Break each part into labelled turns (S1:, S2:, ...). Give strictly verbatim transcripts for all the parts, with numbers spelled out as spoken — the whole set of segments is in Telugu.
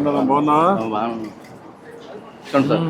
S1: ఏంటన్నా బాగున్నావా?
S2: సార్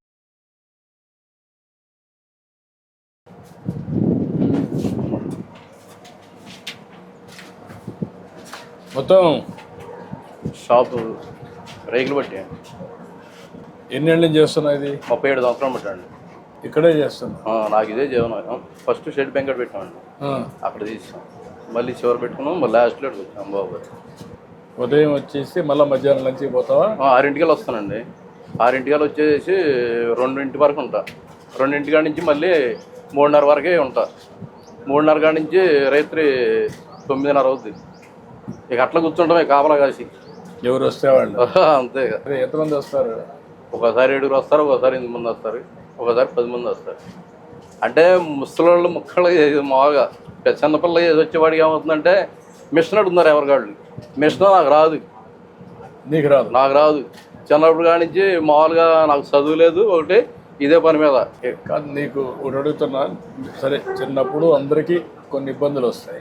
S1: మొత్తం
S2: షాపు రేకులు బట్టి
S1: ఎన్నేళ్ళ నుంచి చేస్తున్నా ఇది?
S2: ముప్పై ఏడు సంవత్సరాలు పెట్టండి.
S1: ఇక్కడే చేస్తున్నా.
S2: నాకు ఇదే జీవనం. ఫస్ట్ షెడ్ బెంకట్ పెట్టామండి, అక్కడ తీసాం. మళ్ళీ చివరి పెట్టుకున్నాం, మళ్ళీ లాస్ట్లో వచ్చాం బాబు.
S1: ఉదయం వచ్చేసి మళ్ళీ మధ్యాహ్నం లంచ్కి పోతావా?
S2: ఆరింటికల్ వస్తానండి. ఆరింటికల్ వచ్చేసి రెండింటి వరకు ఉంటా. రెండింటి కాడి నుంచి మళ్ళీ మూడున్నర వరకే ఉంటా. మూడున్నర కాడి నుంచి రాత్రి తొమ్మిదిన్నర అవుద్ది. ఇక అట్లా కూర్చుంటామే కాపలా కాసి.
S1: ఎవరు వస్తే వాళ్ళు
S2: అంతే.
S1: ఎంతమంది వస్తారు?
S2: ఒకసారి ఏడుగురు వస్తారు, ఒకసారి ఎనిమిది మంది వస్తారు, ఒకసారి పది మంది వస్తారు. అంటే ముసలోళ్ళు ముక్కలు మామూలుగా చిన్నపిల్ల ఏది వచ్చేవాడికి ఏమవుతుందంటే మిషన్ అడుగుతున్నారు ఎవరికాళ్ళు. మిషన్ నాకు రాదు.
S1: నీకు రాదు?
S2: నాకు రాదు. చిన్నప్పుడు కాడి నుంచి మామూలుగా నాకు చదువు లేదు, ఒకటి ఇదే పని మీద.
S1: కాదు, నీకు ఒకటి అడుగుతున్నా. సరే, చిన్నప్పుడు అందరికీ కొన్ని ఇబ్బందులు వస్తాయి.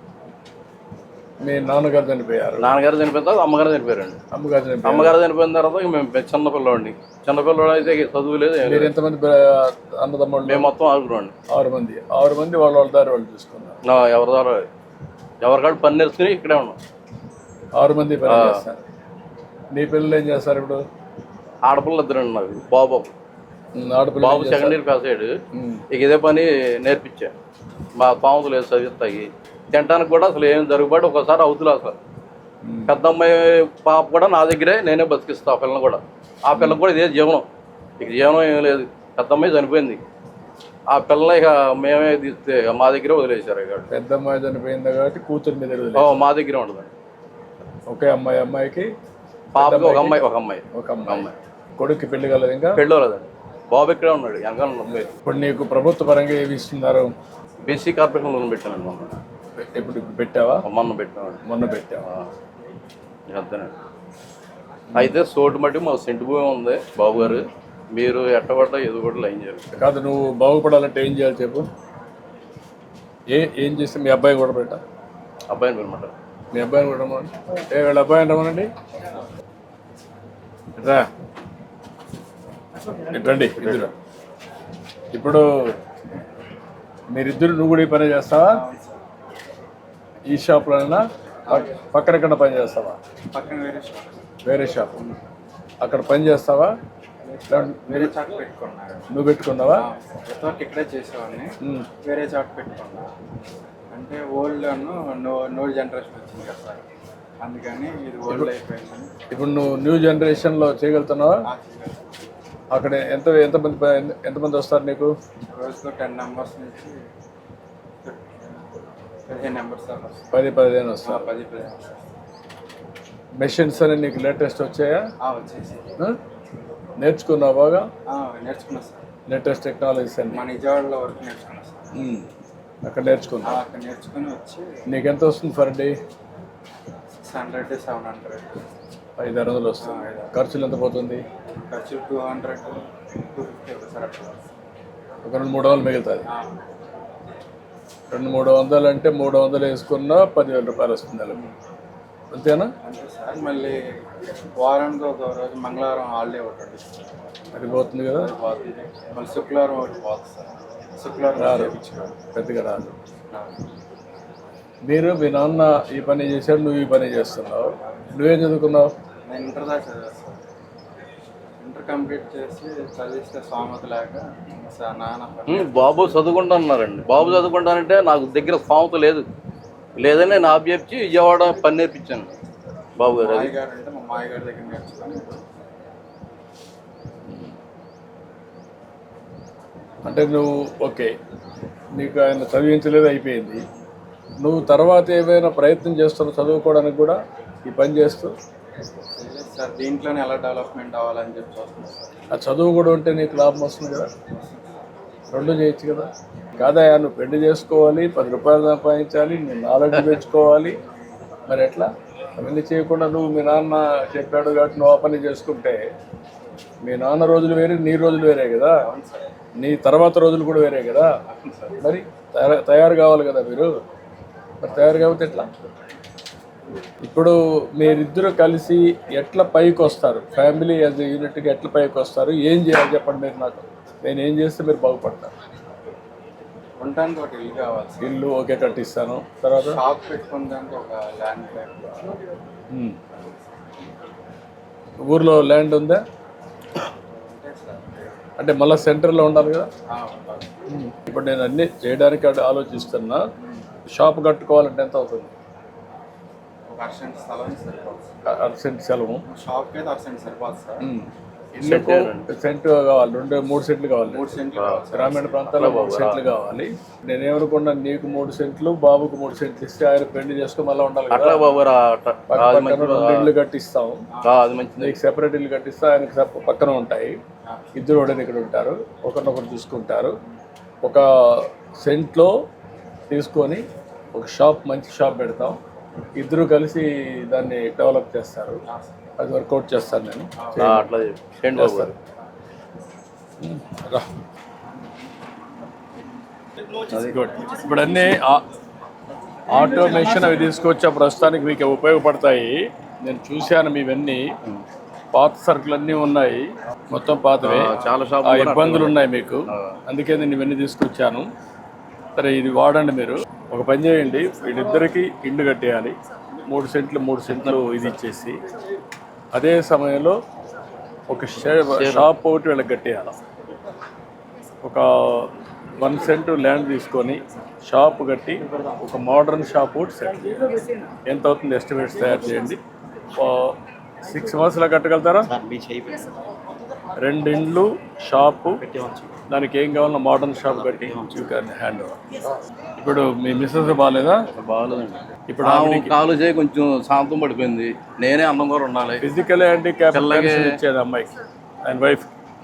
S1: మీ నాన్నగారు చనిపోయారు.
S2: నాన్నగారు చనిపోయిన తర్వాత అమ్మగారు చనిపోయారండి.
S1: అమ్మగారు చనిపోయారు.
S2: అమ్మగారు చనిపోయిన తర్వాత మేము చిన్నపిల్లవాడిని. చిన్నపిల్లవాడు అయితే చదువు లేదు.
S1: మీరు ఎంతమంది అన్నదమ్ముళ్ళు?
S2: మేము మొత్తం ఆరుగురు అండి.
S1: ఆరు మంది. ఆరు మంది వాళ్ళ వాళ్ళ దారి వాళ్ళు చూసుకున్నారు.
S2: ఎవరి ద్వారా ఎవరికాడు పని నేర్చుకుని ఇక్కడే ఉన్నాం. ఆరు
S1: మంది పని చేస్తారు. నీ పిల్లలు ఏం చేస్తారు ఇప్పుడు?
S2: ఆడపిల్ల ఇద్దరండి నాకు. బాబు
S1: ఆడపిల్ల
S2: బాబు సెకండ్ ఇయర్ పాస్ అయ్యాడు. ఇక ఇదే పని నేర్పించా. మా పాముతులు లేదు చదివిస్తాయి. తినడానికి కూడా అసలు ఏం జరుగుబాటు ఒకసారి అవుతులే. అసలు పెద్ద అమ్మాయి పాప కూడా నా దగ్గరే నేనే బతికిస్తా. ఆ పిల్లని కూడా, ఆ పిల్లకి కూడా ఇదే జీవనం. ఇక జీవనం ఏం లేదు. పెద్ద అమ్మాయి చనిపోయింది. ఆ పిల్ల ఇక మేమే తీస్తే మా దగ్గరే వదిలేశారు. ఇక
S1: పెద్ద అమ్మాయి చనిపోయింది కాబట్టి కూతురు మీద
S2: మా దగ్గరే ఉంటుంది.
S1: ఒకే అమ్మాయి. అమ్మాయికి
S2: పాపకి ఒక అమ్మాయి ఒక అమ్మాయి
S1: ఒక అమ్మాయి. కొడుక్కి పెళ్లి కలదు? ఇంకా
S2: పెళ్ళి కలదండి. బాబు ఇక్కడే ఉన్నాడు వెనకాల ఉంది.
S1: ఇప్పుడు నీకు ప్రభుత్వ పరంగా ఏమి ఇస్తున్నారు?
S2: బీసీ కార్పొరేషన్ లోన్ పెట్టానండి మొన్న.
S1: ఇప్పుడు ఇప్పుడు పెట్టావా?
S2: మొన్న పెట్టామండి.
S1: మొన్న పెట్టావా?
S2: అంతేనండి. అయితే సోటు మట్టి మా సెంటు భూమి ఉంది బాబు గారు. మీరు ఎట్టబడ్డా ఏదో కూడా లైన్ చేయాలి.
S1: కాదు, నువ్వు బాగుపడాలంటే ఏం చేయాలి చెప్పు? ఏ ఏం చేస్తే మీ అబ్బాయి కూడా పెట్టా?
S2: అబ్బాయిని పెట్టమంటారు.
S1: మీ అబ్బాయిని కూడా రమ్మనండి. ఏ వీళ్ళ అబ్బాయిని రమ్మనండి. రా రండి ఇద్దరు. ఇప్పుడు మీరిద్దరు నువ్వు కూడా ఈ పని చేస్తావా? ఈ షాప్లోనైనా పక్కన ఎక్కడ పని చేస్తావా? వేరే షాప్. అక్కడ పని చేస్తావా?
S3: వేరే చాట్ పెట్టుకున్నా.
S1: నువ్వు పెట్టుకున్నావా?
S3: ఇక్కడే చేసేవాడిని. వేరే చాట్ పెట్టుకున్నా. అంటే ఓల్డ్ నో నో జనరేషన్ వచ్చింది కదా సార్, అందుకని ఇది ఓల్డ్ అయిపోయింది.
S1: ఇప్పుడు నువ్వు న్యూ జనరేషన్లో చేయగలుగుతున్నావా? అక్కడ ఎంత ఎంతమంది ఎంతమంది వస్తారు నీకు?
S3: రోజుకు టెన్ నెంబర్స్ నుంచి పదిహేను నెంబర్స్ దాకా.
S1: పది పదిహేను వస్తారు.
S3: పది పదిహేను
S1: మెషిన్స్ అని నీకు లేటెస్ట్ వచ్చాయా?
S3: వచ్చేసి
S1: నేర్చుకున్నావు బాగా?
S3: నేర్చుకున్నా సార్.
S1: లేటెస్ట్ టెక్నాలజీస్ అన్ని
S3: మా నిజవాడలో వరకు నేర్చుకున్నా సార్.
S1: అక్కడ నేర్చుకున్నా.
S3: అక్కడ నేర్చుకుని వచ్చి
S1: నీకు ఎంత వస్తుంది per day?
S3: Six hundred seven hundred
S1: ఐదు ఆరు వందలు వస్తుంది. ఖర్చులు ఎంత పోతుంది?
S3: ఖర్చు two hundred two fifty sir. అట్లా
S1: ఒక రెండు మూడు వందలు మిగులుతుంది. రెండు మూడు వందలు అంటే మూడు వందలు వేసుకున్నా పదివేల రూపాయలు వస్తుంది నెలకు. అంతేనా?
S3: అంతే సార్. మళ్ళీ వారానికి ఒక రోజు మంగళవారం హాలిడే ఒకటి
S1: అది పోతుంది కదా.
S3: పోతుంది. మళ్ళీ శుక్రవారం ఒకటి పోతుంది సార్. శుక్రవారం
S1: రాదు, పెద్దగా రాదు. మీరు మీ నాన్న ఈ పని చేశాడు, నువ్వు ఈ పని చేస్తున్నావు. నువ్వేం చదువుకున్నావు?
S3: నేను ఇంటర్ దాకా చదివాను సార్. ఇంటర్ కంప్లీట్ చేసి చదివిస్తే స్వామత లేక సార్ నాన్న
S2: బాబు చదువుకుంటాన్నారండి. బాబు చదువుకుంటానంటే నాకు దగ్గర స్వామత లేదు. లేదని నేను ఆబ్జెప్చి విజయవాడ పని నేర్పించాను బాబు గారు.
S3: మాయగారు అంటే మా మాయగారి దగ్గర నేర్చుకుని.
S1: అంటే నువ్వు ఓకే, నీకు ఆయన చదివించలేదు, అయిపోయింది. నువ్వు తర్వాత ఏమైనా ప్రయత్నం చేస్తున్నావు చదువుకోవడానికి కూడా ఈ పని చేస్తూ?
S3: సార్ దీంట్లోనే ఎలా డెవలప్మెంట్ అవ్వాలని చెప్పి చూస్తున్నాను సార్.
S1: ఆ చదువు కూడా ఉంటే నీకు లాభం వస్తుంది కదా, రెండు చేయొచ్చు కదా. కాదయా, నువ్వు పెళ్లి చేసుకోవాలి, పది రూపాయలు సంపాదించాలి, నీ నాలెడ్జ్ పెంచుకోవాలి. మరి ఎట్లా? అవన్నీ చేయకుండా నువ్వు మీ నాన్న చెప్పాడు కాబట్టి నువ్వు ఆ పని చేసుకుంటే మీ నాన్న రోజులు వేరే, నీ రోజులు వేరే కదా, నీ తర్వాత రోజులు కూడా వేరే కదా. మరి తయారు తయారు కావాలి కదా మీరు. మరి తయారు కాకపోతే ఎట్లా? ఇప్పుడు మీరిద్దరు కలిసి ఎట్లా పైకి వస్తారు, ఫ్యామిలీ యాజ్ యూనిట్గా ఎట్లా పైకి వస్తారు, ఏం చేయాలి చెప్పండి మీరు నాకు. నేను ఏం చేస్తే మీరు బాగుపడతారు?
S3: ఉండడానికి ఒక ఇల్లు కావాలి సార్.
S1: ఇల్లు ఓకే కట్టిస్తాను. తర్వాత
S3: షాప్ పెట్టుకోవడానికి ఒక ల్యాండ్ టైప్
S1: ఉమ్. ఊర్లో ల్యాండ్ ఉందా?
S3: ఉంటాయి సార్.
S1: అంటే మళ్ళీ సెంటర్లో ఉండాలి కదా.
S3: ఆ, ఉండాలి.
S1: ఇప్పుడు నేను అన్నీ చేయడానికి అటు ఆలోచిస్తున్నా. షాప్ కట్టుకోవాలంటే ఎంత అవుతుంది?
S3: ఒక అర్సెంట్ స్థలం సరిపోదు సార్.
S1: అర్సెంట్ సెలవు.
S3: షాప్కి అయితే అర్సెంట్ సరిపోదు సార్.
S1: ఇల్లుకు సెంట్ కావాలి, రెండు మూడు సెంట్లు కావాలి.
S3: మూడు సెంట్లు కావాలి సార్.
S1: గ్రామీణ ప్రాంతాల్లో మూడు సెంట్లు కావాలి. నేనేమనుకున్నాను, నీకు మూడు సెంట్లు, బాబుకు మూడు సెంట్లు ఇస్తే ఆయన పెళ్లి చేసుకుని మళ్ళీ ఉండాలి
S2: అట్లా
S1: కదా.
S2: బాబు రా, అట్లా. అది
S1: పక్కన రెండు ఇల్లు కట్టిస్తాం.
S2: ఆ, అది మంచిది.
S1: నీకు సెపరేట్ ఇల్లు కట్టిస్తా, ఆయనకి సెప- పక్కన ఉంటాయి. ఇద్దరు ఒకటి ఇక్కడ ఉంటారు, ఒకరినొకరు చూసుకుంటారు. ఒక సెంట్లో తీసుకొని ఒక షాప్, మంచి షాప్ పెడతాం. ఇద్దరు కలిసి దాన్ని డెవలప్ చేస్తారు. అది వర్కౌట్ చేస్తాను నేను.
S2: ఆ, అట్లా చెప్పు. చేయండి బాబు గారు.
S1: రా. గుడ్. ఇప్పుడు అన్నీ ఆ- ఆటోమేషన్ అవి తీసుకొచ్చా, ప్రస్తుతానికి మీకు ఉపయోగపడతాయి. నేను చూశాను మీవన్నీ. పాత సరుకులు అన్నీ ఉన్నాయి, మొత్తం పాతవే.
S2: ఆ, చాలా
S1: ఆ
S2: షాపులు కూడా
S1: ఇబ్బందులు ఉన్నాయి మీకు,
S2: ఆ.
S1: అందుకే నేను ఇవన్నీ తీసుకొచ్చాను. సరే, ఇది వాడండి మీరు. ఒక పని చేయండి, వీళ్ళిద్దరికి ఇల్లు కట్టేయాలి. మూడు సెంట్లు మూడు సెంట్లు ఇది ఇచ్చేసి, అదే సమయంలో ఒక షే- షాప్ ఒకటి వీళ్ళకి కట్టేయాలి. ఒక వన్ సెంట్ ల్యాండ్ తీసుకొని షాప్ కట్టి ఒక మోడర్న్ షాప్ ఒకటి సెట్ చేయాలి. ఎంత అవుతుంది ఎస్టిమేట్స్ తయారు చేయండి. సిక్స్ మంత్స్లో కట్టగలుగుతారా? రెండు ఇండ్లు, షాపు, దానికి ఏం కావాలన్నా మోడర్న్ షాప్ కట్టి యూ క్యాన్ హ్యాండ్ ఓవర్. ఇప్పుడు మీ మిస్సెస్ బాగాలేదా?
S2: బాగాలేదండి.
S1: ఇప్పుడు
S2: ఆమె కాలు చేయి కొంచెం శాంతం పడిపోయింది. నేనే అన్నం కూడా ఉండాలి.
S1: ఫిజికల్ హ్యాండిక్యాప్ ఇచ్చేది అమ్మాయికి, ఆయన వైఫ్.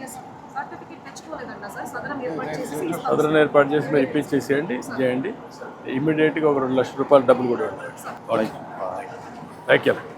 S1: సదరన్ ఏర్పాటు చేసి మీరు ఇప్పించేసేయండి, చేయండి. ఇమీడియట్గా ఒక రెండు లక్షల రూపాయలు డబ్బులు కూడా ఉంటాయి. Thank you.